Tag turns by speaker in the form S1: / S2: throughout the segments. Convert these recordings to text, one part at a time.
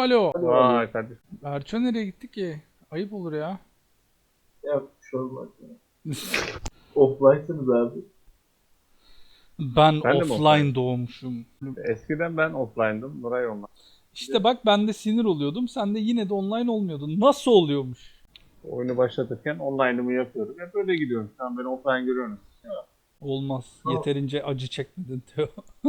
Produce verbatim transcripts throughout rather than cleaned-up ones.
S1: alo.
S2: Vay kardeşim.
S1: Erço nereye gitti ki? Ayıp olur ya.
S3: Ya şu olmaz ya. Offline'sınız abi.
S1: Ben,
S2: Ben de mi
S1: offline
S2: offline?
S1: doğmuşum.
S2: Eskiden ben offline'dım. Nuray online.
S1: İşte bak ben de sinir oluyordum. Sen de yine de online olmuyordun. Nasıl oluyormuş?
S2: Oyunu başlatırken online'ımı yapıyorum. Hep öyle gidiyorum. Şu an beni offline görüyorsunuz.
S1: Olmaz. Yeterince acı çekmedin diyor.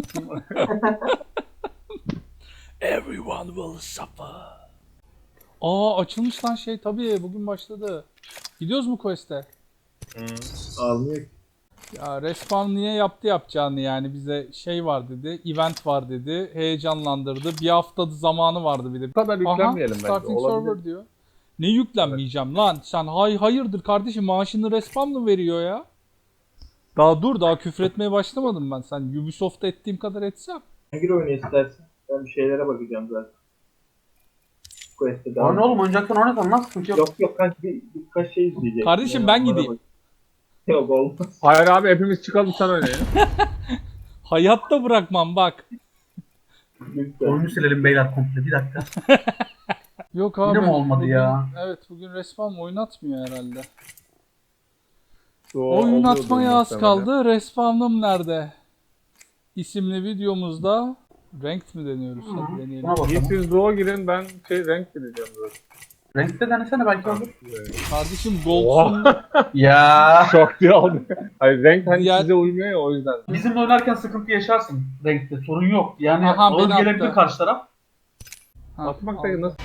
S1: Everyone will suffer. Aa açılmış lan şey tabii bugün başladı. Gidiyoruz mu quest'e?
S3: Almıyor ki.
S1: Ya Respawn niye yaptı yapacağını yani bize şey var dedi, event var dedi, heyecanlandırdı. Bir hafta zamanı vardı bir de.
S2: Bu kadar yüklenmeyelim bence.
S1: Starting
S2: Olabilir.
S1: server diyor. Ne yüklenmeyeceğim lan? Sen hay hayırdır kardeşim maaşını Respawn mı veriyor ya? Daha dur daha küfretmeye başlamadım ben. Sen Ubisoft'ta ettiğim kadar etsem.
S3: Hangi oyunu istersen? Ben bir şeylere bakacağım zaten. Quest'e devam.
S4: Oyun oğlum oyuncaktan oynatan nasıl sıkıntı yok.
S3: Yok yok kaç bir, birkaç şey izleyecek.
S1: Kardeşim, ben
S3: bana
S1: gideyim.
S3: bak. Yok olmaz.
S2: Hayır abi hepimiz çıkalım sen oyna ya.
S1: Hayatta bırakmam bak.
S3: Lütfen.
S4: Oyunu silelim beyler komple bir dakika.
S1: Yok abi.
S4: Yine mi olmadı
S1: bugün,
S4: ya?
S1: Evet bugün Respawn oynatmıyor herhalde.
S2: O-
S1: Oynatmaya
S2: oluyordur
S1: az
S2: muhtemelen.
S1: kaldı. Respawn'ım nerede? İsimli videomuzda ranked mi deniyoruz?
S4: Hı,
S1: Hadi deneyelim.
S4: buna bakalım.
S2: İyi siz Doğu'a girin ben şey renk gireceğim zaten.
S4: Renkte denesene belki olur.
S1: Kardeşim Gold'sun.
S4: Ya
S2: Şok diye aldı. Hayır renk hani
S1: Diğer-
S2: size uymuyor ya o yüzden.
S4: bizimle oynarken sıkıntı yaşarsın renkte sorun yok. Yani
S1: Aha,
S4: ağır
S1: beni
S4: gelebilir
S1: attı.
S4: karşı taraf.
S1: Ha,
S2: Atmak
S1: aldım.
S2: da nasıl?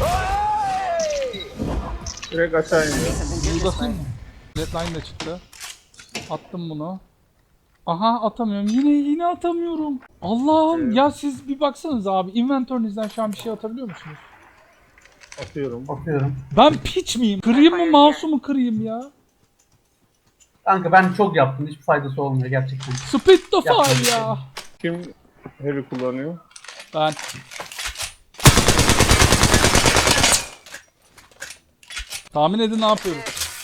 S2: Direkt aşağı iniyor.
S1: Bunu da atayım mı? Redline de çıktı. Attım bunu. Aha atamıyorum. Yine yine atamıyorum. Allah'ım
S2: Evet.
S1: ya siz bir baksanız abi. Inventörünüzden şu an bir şey atabiliyor musunuz?
S2: Atıyorum.
S4: Bakıyorum.
S1: Ben piç miyim? Kırayım mı mouse'umu kırayım ya?
S4: Kanka ben çok yaptım hiçbir faydası olmuyor gerçekten.
S1: Speed the
S4: Yapma bir
S1: fire
S4: şey.
S1: ya.
S2: Kim heavy kullanıyor?
S1: Ben. Tahmin edin ne yapıyorum?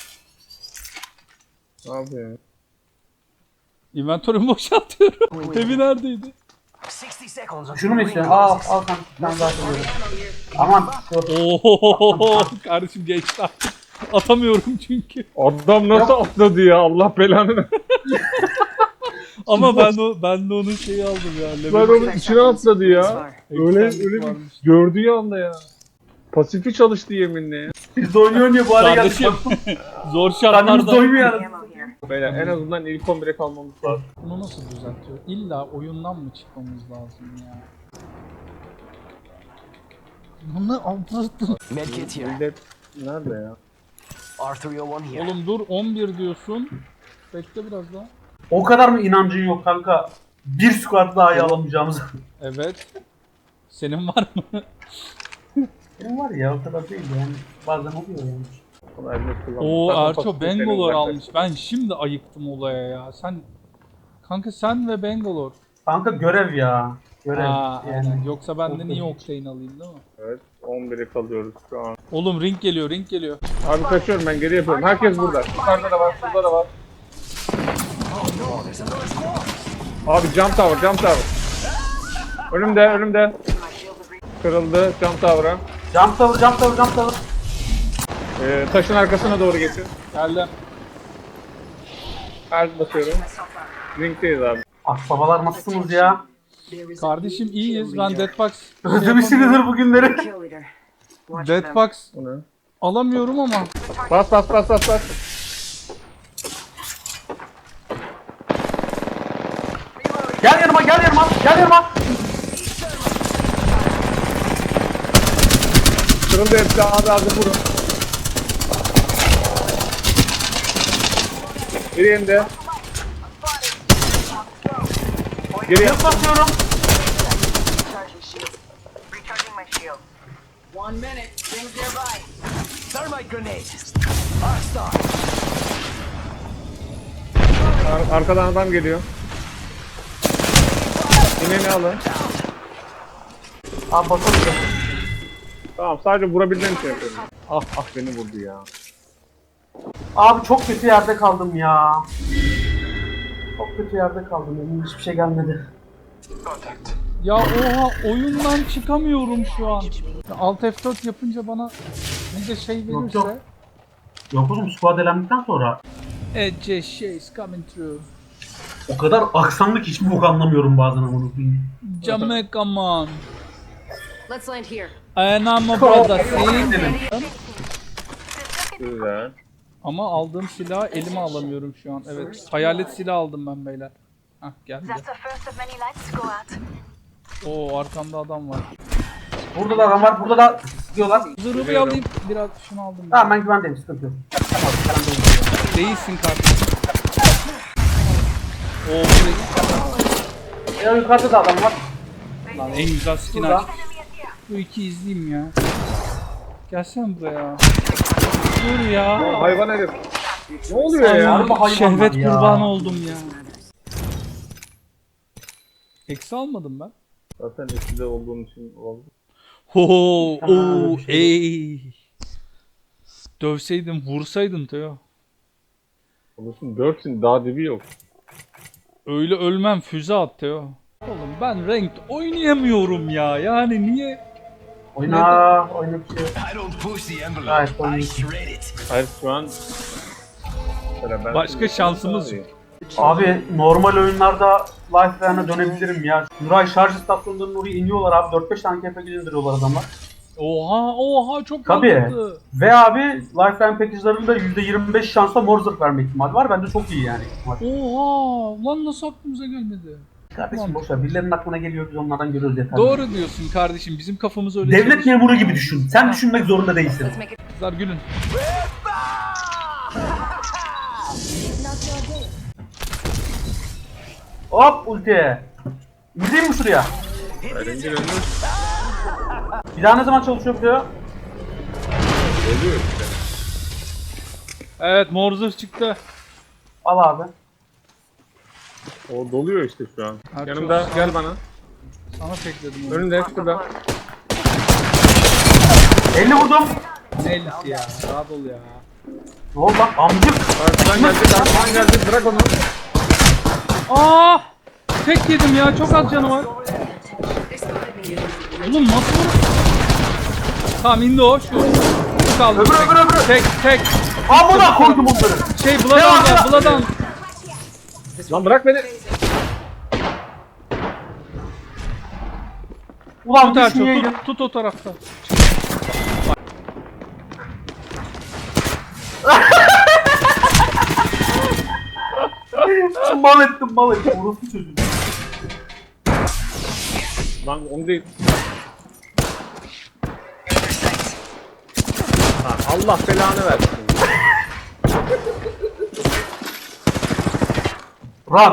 S2: Ne yapıyor?
S1: Inventörümü boşaltıyorum. Evi neredeydi?
S4: Şunu mu istiyorsun? Al al kanka bir tane daha koyuyorum. Aman dur.
S1: Oho kardeşim geçti artık. Atamıyorum çünkü.
S2: Adam nasıl atladı ya Allah belanı.
S1: Ama ben o ben de onun şeyi aldım ya.
S2: Lan
S1: Level
S2: onun içine atladı ya. Öyle
S1: Extended
S2: öyle bir
S1: varmış.
S2: gördüğü anda ya. Pasifi çalıştı yeminle ya.
S4: Biz de oynuyor oynuyor bu hale geldik.
S1: Kardeşim zor
S4: Karnımız
S1: şartlarda.
S4: doymuyor yani.
S2: Beyler en azından ilk on bire kalmamız lazım.
S1: Bunu nasıl düzeltiyor? İlla oyundan mı çıkmamız lazım ya? Bunu anlattın.
S5: Medkit here.
S2: Millet nerede ya?
S5: R three oh one here.
S1: Oğlum dur on bir diyorsun. Bekle biraz daha.
S4: O kadar mı inancın yok kanka? Bir squat daha iyi alamayacağımız.
S1: Evet. Senin var mı?
S4: Benim var ya o kadar değil yani. Bazen oluyor yani.
S2: Onu elde kullanmak.
S1: Oo
S2: Zaten
S1: Erço
S2: pasifi
S1: Bangalore
S2: senin
S1: almış. Ben şimdi ayıktım olaya ya. Sen kanka sen ve Bangalore.
S4: Kanka görev ya. Görev
S1: Ha,
S4: yani.
S1: aynen. Yoksa ben de niye Octane alayım değil mi?
S2: Evet on bire kalıyoruz şu an.
S1: Oğlum ring geliyor, ring geliyor.
S2: Abi kaçıyorum ben geri yapıyorum. Herkes burada. Yukarıda da var, şurada da var. Abi jump tower, jump tower. Önümde, önümde. Kırıldı jump tower'a.
S4: Jump tower, jump tower, jump tower.
S2: Ee, taşın arkasına doğru geçin.
S1: Geldim.
S2: Her basıyorum. Ringdeyiz abi.
S4: Akbabalar nasılsınız ya?
S1: Kardeşim iyiyiz. Ben Deadbox
S4: Özlemişsinizdir bu günleri.
S6: Kill leader. Watch them.
S1: Deadbox
S2: Bu ne?
S1: alamıyorum ama.
S2: Bas bas bas bas bas.
S4: Gel yanıma, gel yanıma, gel yanıma.
S2: Kırıldı hepsi abi abi vurun. Biri indi. Geriye.
S4: Yılt basıyorum.
S6: Recharging shield. Recharging my shield. One minute. Things nearby.
S5: Thermite grenade. Arc star.
S2: Ar- arkadan adam geliyor. İneni alın.
S4: Abi bakalım.
S2: Tamam sadece vurabildiğim şey yapıyorum. Ah ah beni vurdu ya.
S4: Abi çok kötü yerde kaldım ya. Çok kötü yerde kaldım. Elimden hiçbir şey gelmedi.
S1: Ya oha oyundan çıkamıyorum şu an. Alt F dört yapınca bana bir de şey
S4: Yok,
S1: verirse.
S4: yok. Yok oğlum squad elendikten sonra
S1: Ece şey's coming through.
S4: o kadar aksanlı ki hiçbir bok anlamıyorum bazen amına koyayım.
S1: Jamaica man.
S6: Let's land here.
S1: And I'm a brother see?
S2: Güzel.
S1: Ama aldığım silahı elime alamıyorum şu an. Evet. Hayalet silah aldım ben beyler. Hah geldi.
S7: That's the first of many lights to go out.
S1: Oo arkamda adam var.
S4: Burada da adam var, burada da diyorlar.
S1: Zırhı bir alayım. Biraz şunu aldım.
S4: Tamam ben güvendeyim, sıkıntı yok. Tamam, tamam,
S1: Değilsin kardeşim. Oo burayı.
S4: ya yukarıda da adam var.
S1: Lan en güzel skin
S4: Burada.
S1: aç. Bu iki izleyeyim ya. Gelsene buraya. Dur ya.
S2: Hayvan herif. Ne oluyor ya?
S4: Harbi hayvanlar
S1: Şehvet
S4: ya.
S1: kurbanı oldum ya. Eksi almadım ben.
S2: Zaten eskide olduğum için oldu.
S1: Ho
S4: Ha,
S1: o
S4: bir şey
S1: ey. Dövseydin, vursaydın Teo.
S2: Olursun dörtsün daha dibi yok.
S1: Öyle ölmem füze at Teo. Oğlum ben ranked oynayamıyorum ya. Yani niye?
S4: Oyna, oyna bir şey.
S5: I don't push the envelope.
S4: Right,
S5: I
S4: oyun.
S5: shred it.
S2: Hayır şu an... Mesela ben-
S1: Başka şansımız yok.
S4: Abi normal oyunlarda Lifeline'a dönebilirim ya. Nuray şarj istasyonlarının oraya iniyorlar abi. dört beş tane K P G indiriyorlar adamlar.
S1: Oha oha çok
S4: Tabii.
S1: mantıklı.
S4: Ve abi Lifeline package'larında yüzde yirmi beş şansla mor zırh verme ihtimali var. Bence çok iyi yani.
S1: Oha lan nasıl aklımıza gelmedi?
S4: Kardeşim boşver. Birilerinin aklına geliyor, biz onlardan görüyoruz yeter.
S1: Doğru diyorsun kardeşim, bizim kafamız öyle
S4: Devlet
S1: çalışıyor.
S4: memuru gibi düşün. Sen düşünmek zorunda değilsin.
S6: Let's make it.
S1: Kızlar gülün.
S4: Hop ulti. İndireyim mi şuraya?
S2: Elim bir önüne
S4: Bir daha ne zaman çalışıyor bu ya?
S2: oluyor işte.
S1: Evet mor zırh çıktı.
S4: Al abi.
S2: O doluyor işte şu an.
S1: Ha,
S2: Yanımda
S1: çok-
S2: gel bana.
S1: Sana tekledim onu.
S2: Önünde şurada.
S4: elli vurdum.
S1: Ne ellisi ya? Rahat ol ya.
S4: Ne oldu lan amcık?
S2: Arkadan geldi, arkadan geldi. Bırak onu.
S1: Aa! Tek yedim ya, çok az canı var. Oğlum nasıl vur? Tamam indi o şu. Şu kaldı.
S4: Öbürü,
S1: tek.
S4: öbürü, öbürü.
S1: Tek tek.
S4: Amına koydum onları.
S1: Şey Bloodhound var, Bloodhound.
S2: Lan bırak beni.
S4: Ulan
S1: Tut Erço,
S4: düşmeyeydin.
S1: tut, tut o tarafta.
S4: Mal ettim mal ettim. Orası çocuğum.
S2: Lan onu değil. Ha, Allah belanı versin.
S4: Run.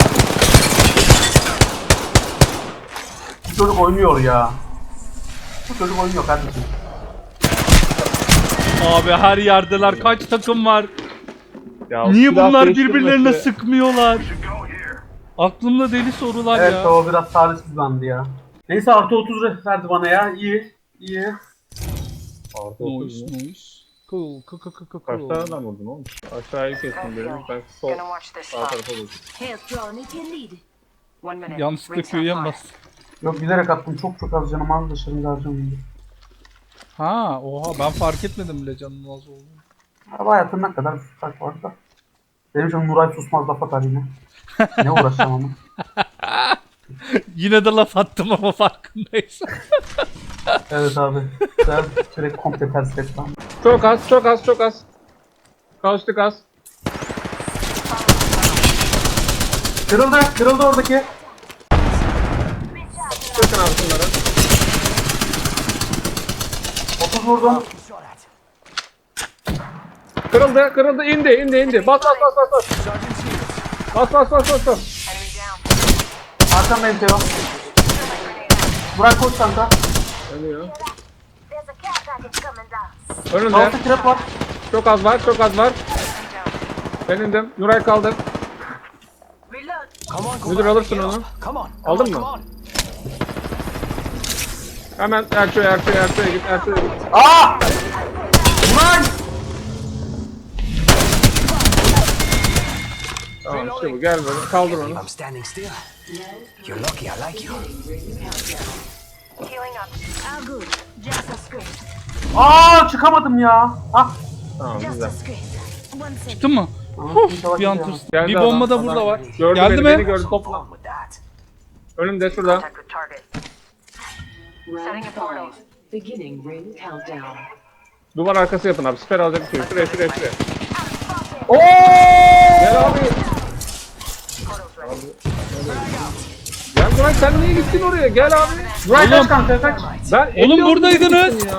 S4: Bu çocuk oynuyor ya. Bu çocuk oynuyor kardeşim.
S1: Abi her yerdeler, kaç takım var?
S2: Ya,
S1: Niye
S2: silah
S1: bunlar
S2: değiştirmesi-
S1: birbirlerine sıkmıyorlar? Aklımda deli sorular
S4: Evet
S1: ya.
S4: o biraz talihsiz bandı ya. Neyse artı otuz verdi bana ya. İyi. İyi.
S2: Artı otuz
S1: Noise,
S2: mu?
S1: noise. Cool, cool, cool, cool,
S2: Kaç
S1: cool.
S2: tane adam vurdun oğlum? Aşağıyı kestim dedim. Ben sol
S6: Gonna watch this
S2: sağ
S6: spot.
S2: tarafa vurdum.
S7: Health drawn if you need.
S6: One minute.
S1: Yanlışlıkla
S6: Rings
S1: Q'ya
S6: not
S1: bas.
S6: fire.
S4: Yok bilerek attım. Çok çok az canım az da şimdi harcamayayım.
S1: Ha, oha ben fark etmedim bile canın az olduğunu.
S4: Araba hayatından kadar bir fark var da. Benim için Nuray susmaz laf atar yine. Ne uğraşacağım ama.
S1: Yine de laf attım ama farkındaysan.
S4: Evet abi. Sen direkt komple ters et lan.
S2: Çok az, çok az, çok az. Kaçtık az.
S4: Kırıldı. Kırıldı oradaki.
S2: Çökün abi şunları.
S4: otuz vurdum.
S5: Shot at.
S2: Kırıldı, kırıldı, indi, indi, indi. Bas, bas, bas, bas, bas. Bas, bas, bas, bas, bas.
S6: Enemy down.
S4: Arkandayım Teo. Burak koş kanka.
S2: Ölüyor.
S7: There's a care package coming down.
S2: Önünde.
S4: Altı trap var.
S2: Çok az var, çok az var.
S6: Enemy down.
S2: Ben indim. Nuray kaldı.
S7: Reload.
S5: Come on, go
S2: Müdür
S5: back.
S2: alırsın
S5: Get
S2: onu.
S5: up. Come on. come
S2: Aldın
S5: on,
S2: mı?
S5: come on.
S2: Hemen Erço'ya, Erço'ya, Erço'ya git, Erço'ya git.
S4: Aa! Ulan!
S2: Tamam. Tamam işte bu. Gel böyle. Kaldır onu.
S5: I'm standing still. You're lucky I like you.
S7: Healing up. All good. Just a script.
S4: Aa çıkamadım ya. Ah.
S2: Tamam
S7: Just
S2: güzel.
S7: a script. One second.
S1: Çıktın mı?
S4: İnşallah
S1: Bir an
S4: gidiyor.
S1: tırstım.
S2: Geldi
S1: Bir bomba da
S2: adam,
S1: burada
S2: adam.
S1: var.
S2: Gördü
S1: Geldi
S2: beni,
S1: mi?
S2: beni gördü. Topla.
S5: Wrong with that.
S2: Önümde şurada.
S7: Contact with target.
S6: Round
S7: Setting a portal.
S6: five. Beginning ring countdown.
S2: Duvar arkası yapın abi. Siper alacak bir şey. Şuraya şuraya şuraya.
S4: Oo!
S2: Gel abi. Gel Burak sen niye gittin oraya? Gel abi.
S4: Duray kaç kanka kaç.
S2: Ben
S1: Oğlum
S2: elli
S1: buradaydınız.
S2: gittim ya.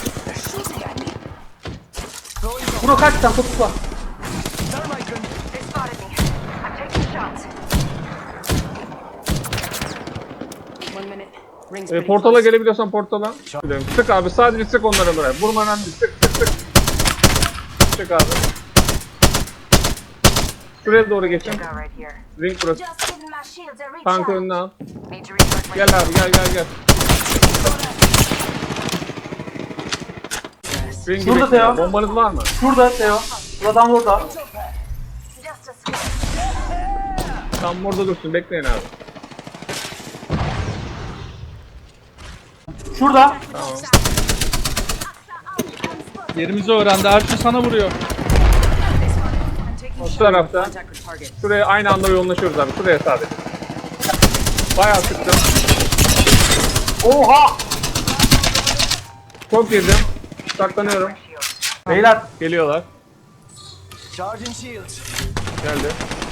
S4: Bro kaç sen tutla.
S5: Thermite grenade.
S7: They spotted me. I'm taking shots.
S6: One minute. Rings
S2: E,
S6: pretty
S2: portala
S6: close.
S2: gelebiliyorsan portala. Gidelim. Sık abi sadece sık onlara buraya. Vurma önemli. Sık sık sık. Sık abi. Şuraya doğru geçin.
S7: Go right here.
S2: Ring burası.
S7: Just giving my shields a
S2: Tankı
S7: recharge.
S2: önüne al.
S7: Need to recharge my
S2: Gel abi gel gel gel. Ring'i
S4: Şurada
S2: bekle.
S4: Teo.
S2: Bombanız var mı?
S4: Şurada Teo. Buradan orada.
S7: Just a script.
S2: Tam orada dursun. Bekleyin abi.
S4: Şurada.
S1: Yerimizi öğrendi. Erço sana vuruyor.
S2: Şu tarafta.
S6: Contact with target.
S2: Şuraya aynı anda yoğunlaşıyoruz abi. Şuraya sadece. Bayağı sıktım.
S4: Oha!
S2: Çok girdim. Saklanıyorum.
S4: Beyler
S2: Geliyorlar.
S5: Charging shields.
S2: Geldi.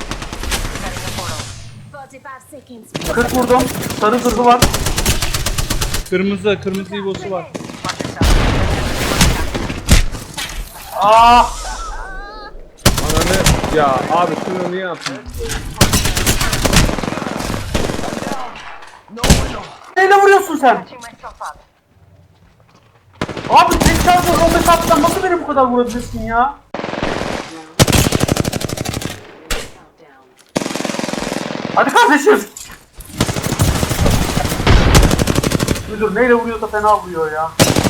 S7: forty-five seconds.
S4: kırk vurdum. Sarı zırhı var.
S1: Kırmızı, kırmızı ibosu var.
S4: Aa!
S2: Ananı ya abi şunu niye attın?
S4: Neyle vuruyorsun sen?
S7: Catching myself up.
S4: Abi tek şarjı on beş atsan nasıl beni bu kadar vurabilirsin ya?
S6: Countdown.
S4: Hadi kardeşim. Müdür neyle vuruyorsa fena vuruyor ya.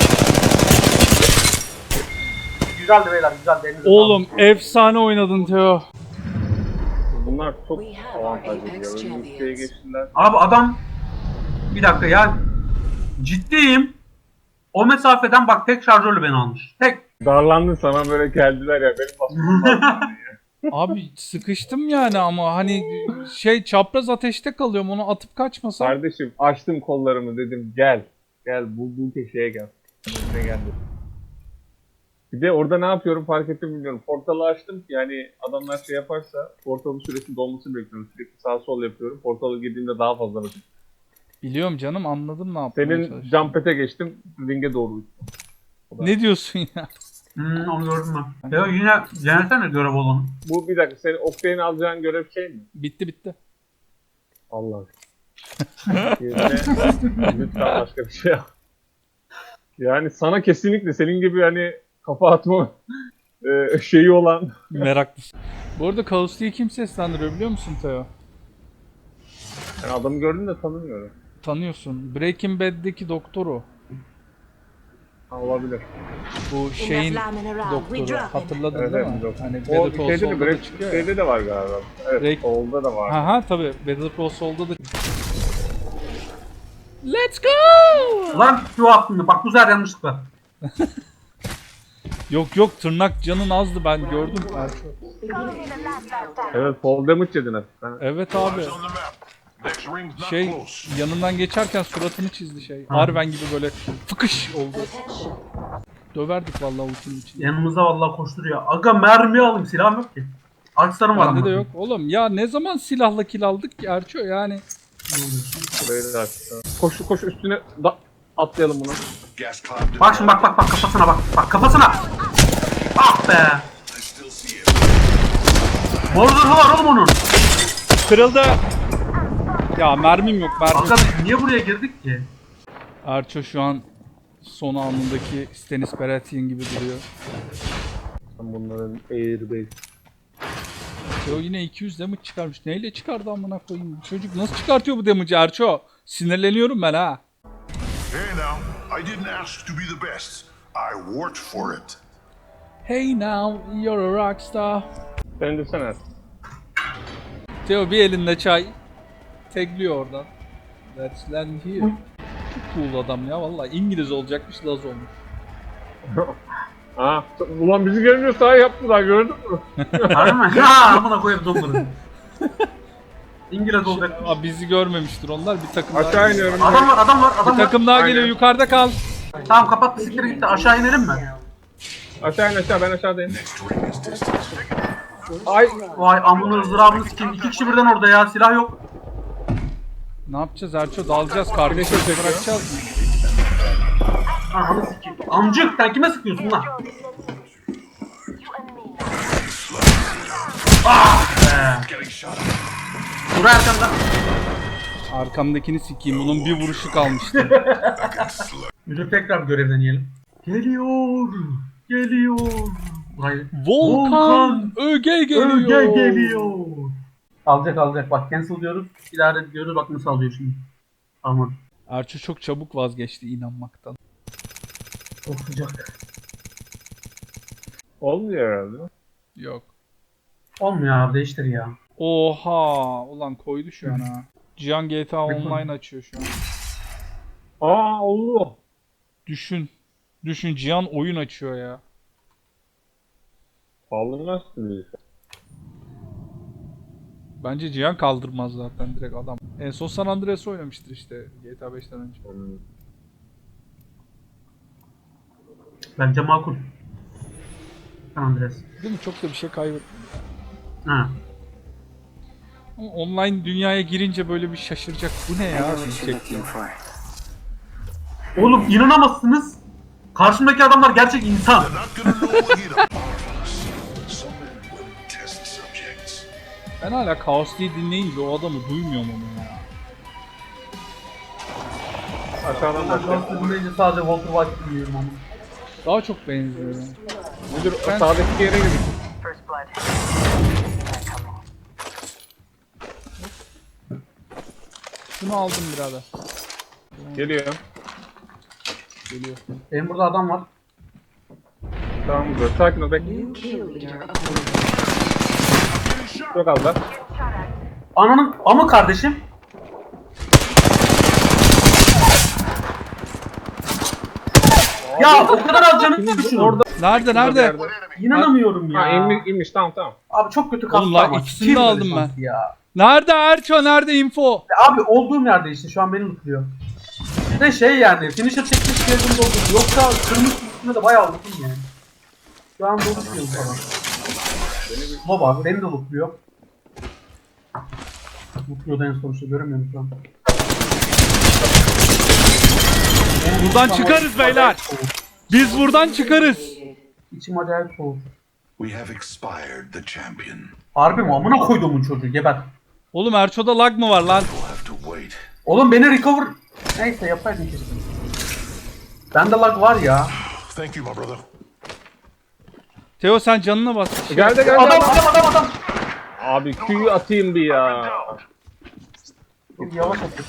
S4: Güzeldi beyler güzeldi. Elinize
S1: Oğlum efsane oynadın Teo.
S2: Bunlar çok
S6: We have our
S2: avantajlı
S6: Apex
S2: ya.
S6: champions.
S2: Ülkeye geçtiler.
S4: Abi adam bir dakika ya ciddiyim. O mesafeden bak tek şarjörle beni almış. Tek.
S2: Darlandın sana böyle geldiler ya. Benim basmam lazım.
S1: Abi sıkıştım yani ama hani şey çapraz ateşte kalıyorum. Onu atıp kaçmasam.
S2: Kardeşim açtım kollarımı dedim gel. Gel bu, bu köşeye gel. Ne geldi. Bir de orada ne yapıyorum fark ettim bilmiyorum. Portalı açtım ki yani adamlar şey yaparsa portalın süresinin dolmasını bekliyorum. Sürekli sağ sol yapıyorum. Portalı girdiğimde daha fazla vakit.
S1: Biliyorum canım anladım ne yapmaya
S2: Senin
S1: çalıştığını.
S2: jumpet'e geçtim. Ringe doğru uçtum.
S1: Ne diyorsun ya?
S4: Hmm, onu gördüm ben. Ya yine denesene görev olanı.
S2: Bu bir dakika senin Oktay'ın alacağın görev şey mi?
S1: Bitti bitti.
S2: Allah. Yerine lütfen başka bir şey yap. Yani sana kesinlikle senin gibi hani kafa atma e, şeyi olan
S1: Meraklısın. Bu arada Kaos'u kim seslendiriyor biliyor musun Teo?
S2: yani adamı gördüm de tanımıyorum.
S1: Tanıyorsun. Breaking Bad'deki doktor o.
S2: Ha, olabilir.
S1: Bu şeyin
S7: Enough lambing around. We
S1: doktoru.
S7: drop it.
S1: Hatırladın
S2: Evet,
S1: değil
S2: evet,
S1: mi?
S2: doktor.
S1: Hani
S2: O
S1: Better Call
S2: şeyde de,
S1: Saul'da da
S2: Break,
S1: çıkıyor ya.
S2: şeyde de var galiba. Evet,
S1: Break-
S2: Saul'da da var.
S1: Aha tabi Better Call Saul'da da. Let's go!
S4: Lan şu attın bak bu sefer yanlışlıkla.
S1: Yok yok tırnak canın azdı ben gördüm.
S7: Calling in the last countdown.
S2: Evet, fall damage yedin hafiften.
S1: Evet abi.
S8: Eyes on the map. Next ring's not
S1: Şey
S8: close.
S1: yanından geçerken suratını çizdi şey. Arven gibi böyle fıkış oldu. Döverdik vallahi ultinin içinde.
S4: Yanımıza vallahi koşturuyor. Aga mermi alayım silahım yok ki. Akslarım var
S1: Bende
S4: ama.
S1: de yok. Oğlum ya ne zaman silahla kill aldık ki Erço yani.
S2: Burayı da açtı. Koş koş üstüne da atlayalım bunu.
S8: Gas cloud did
S4: Bak şimdi bak bak bak kafasına bak. Bak kafasına. Ah be.
S8: I still see it.
S4: Mor zırhı var oğlum onun.
S1: Kırıldı. Ya mermim yok mermim.
S4: Aga biz niye buraya girdik ki?
S1: Erço şu an son anındaki Stannis Baratheon gibi duruyor.
S2: Ben bunların airbase.
S1: O yine iki yüz damage çıkarmış. Neyle çıkardı amına koyayım? Bu çocuk nasıl çıkartıyor bu damage'i Erço? Sinirleniyorum ben ha.
S8: Hey now, I didn't ask to be the best. I worked for it.
S1: Hey now, you're a rockstar.
S2: Sen de sen at.
S1: Teo bir elinde çay. Tegliyor oradan. Let's land here. Çok cool adam ya vallahi. İngiliz olacakmış, Laz olmuş.
S2: Aa, ulan bizi görmüyor sahi yaptılar gördün mü?
S4: Harbi mi? Ha amına koyayım donları. İngiliz olacak.
S1: Aa, bizi görmemiştir onlar. Bir takım daha
S2: Aşağı
S1: geliyor.
S2: iniyorum.
S4: Adam var, adam var, adam
S1: Bir
S4: var.
S1: takım daha
S2: Aynen.
S1: geliyor. Yukarıda kal.
S4: Tamam kapat bisikleri gitti. Aşağı inelim mi?
S2: Aşağı in aşağı ben aşağıdayım. Ay
S4: Vay amına ızdırabını sikeyim. İki kişi birden orada ya. Silah yok.
S1: Ne yapacağız Erço? Dalacağız. Kardeşe bırakacağız mı?
S4: Ananı sikeyim. Amcık sen kime sıkıyorsun lan? Ah be. Dur arkanda.
S1: Arkamdakini sikeyim. Bunun bir vuruşu kalmıştı.
S4: Müdür tekrar görevden yiyelim. Geliyor. Geliyor. Hayır.
S1: Volkan,
S4: Volkan
S1: Öge geliyor.
S4: Öge geliyor. Alacak alacak. Bak cancel diyoruz. İlave diyoruz. Bak nasıl alıyor şimdi. Aman.
S1: Erço çok çabuk vazgeçti inanmaktan.
S4: Çok sıcak.
S2: olmuyor herhalde.
S1: Yok.
S4: Olmuyor abi değiştir ya.
S1: Oha! Ulan koydu şu an ha. Cihan G T A Online açıyor şu an.
S2: Aa oldu.
S1: Düşün. Düşün Cihan oyun açıyor ya.
S2: Kaldırmaz bizi.
S1: Bence Cihan kaldırmaz zaten direkt adam. En son San Andreas oynamıştır işte G T A beşten önce.
S4: Bence makul. Andres.
S1: Değil mi? Çok da bir şey kaybettim.
S4: Ha.
S1: Ama online dünyaya girince böyle bir şaşıracak. Bu ne ya? Diyecek.
S4: Oğlum inanamazsınız. Karşımdaki adamlar gerçek insan.
S8: They're not gonna know what hit 'em. Someone will test subjects.
S1: Ben hala Kaos diye dinleyince o adamı duymuyorum onu ya.
S2: Aşağıdan
S4: Ben
S2: başla.
S4: dinleyince sadece Walter White dinliyorum ama.
S1: Daha çok benziyor. yani.
S2: Müdür
S1: Ben-
S2: o sağdaki yere gidin.
S6: First blood. They're coming.
S1: Şunu aldım birader.
S2: Geliyor.
S1: Geliyor.
S4: Benim burada adam var.
S2: Tamam dur. Sakin ol bekle. Çok az da.
S4: Ananın ama kardeşim. Ya o kadar az canım ki düşün.
S2: Orada.
S1: Nerede nerede?
S4: İnanamıyorum ya.
S2: Ha inmiş, inmiş tamam tamam.
S4: Abi çok kötü kastı
S1: Oğlum lan
S4: ama.
S1: ikisini
S4: Kim
S1: de
S4: böyle
S1: aldım ben.
S4: şansı Ya.
S1: Nerede Erço? Nerede info?
S4: Abi olduğum yerde işte şu an beni mutluyor. Bir de şey yani finisher çekmiş geldim doldu. Yoksa kırmızı üstünde de bayağı loot'um yani. Şu an dolu tutuyor falan. Baba beni de lootluyor. Lootluyor da en sonuçta göremiyorum şu an.
S1: Buradan çıkarız beyler. Biz buradan çıkarız.
S4: İçim acayip soğuk.
S8: We have expired the champion.
S4: Harbi mi? Amına koyduğumun çocuğu geber.
S1: Oğlum Erço'da lag mı var lan?
S8: We'll have to wait.
S4: Oğlum beni recover... Neyse yapaydın keşke. Bende lag var ya.
S8: Thank you, my brother.
S1: Teo sen canına bas.
S2: Geldi geldi.
S4: Adam adam adam adam.
S2: Abi Q'yu atayım bir ya.
S4: Çok yavaş atıyor.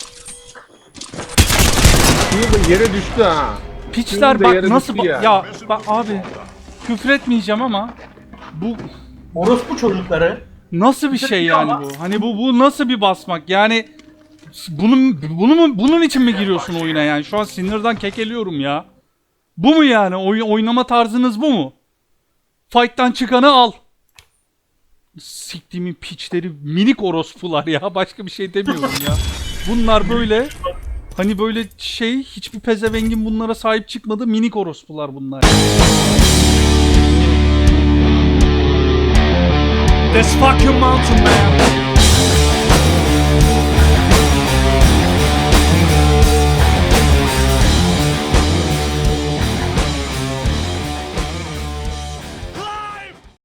S2: Q da yere düştü ha.
S1: Piçler
S2: Şimdi
S1: bak
S2: yere
S1: nasıl
S2: düştü
S1: ba-
S2: ya.
S1: ya bak abi küfretmeyeceğim ama bu
S4: Orospu çocukları.
S1: nasıl bir şey
S4: Küfretmiyor
S1: yani
S4: ama.
S1: bu? Hani bu bu nasıl bir basmak? Yani bunun bunu mu bunun için mi giriyorsun oyuna yani? Şu an sinirden kekeliyorum ya. Bu mu yani? Oy, oynama tarzınız bu mu? Fight'tan çıkanı al. Siktiğimin piçleri minik orospular ya. Başka bir şey demiyorum ya. Bunlar böyle hani böyle şey hiçbir pezevengin bunlara sahip çıkmadı minik orospular bunlar. This fucking mountain man.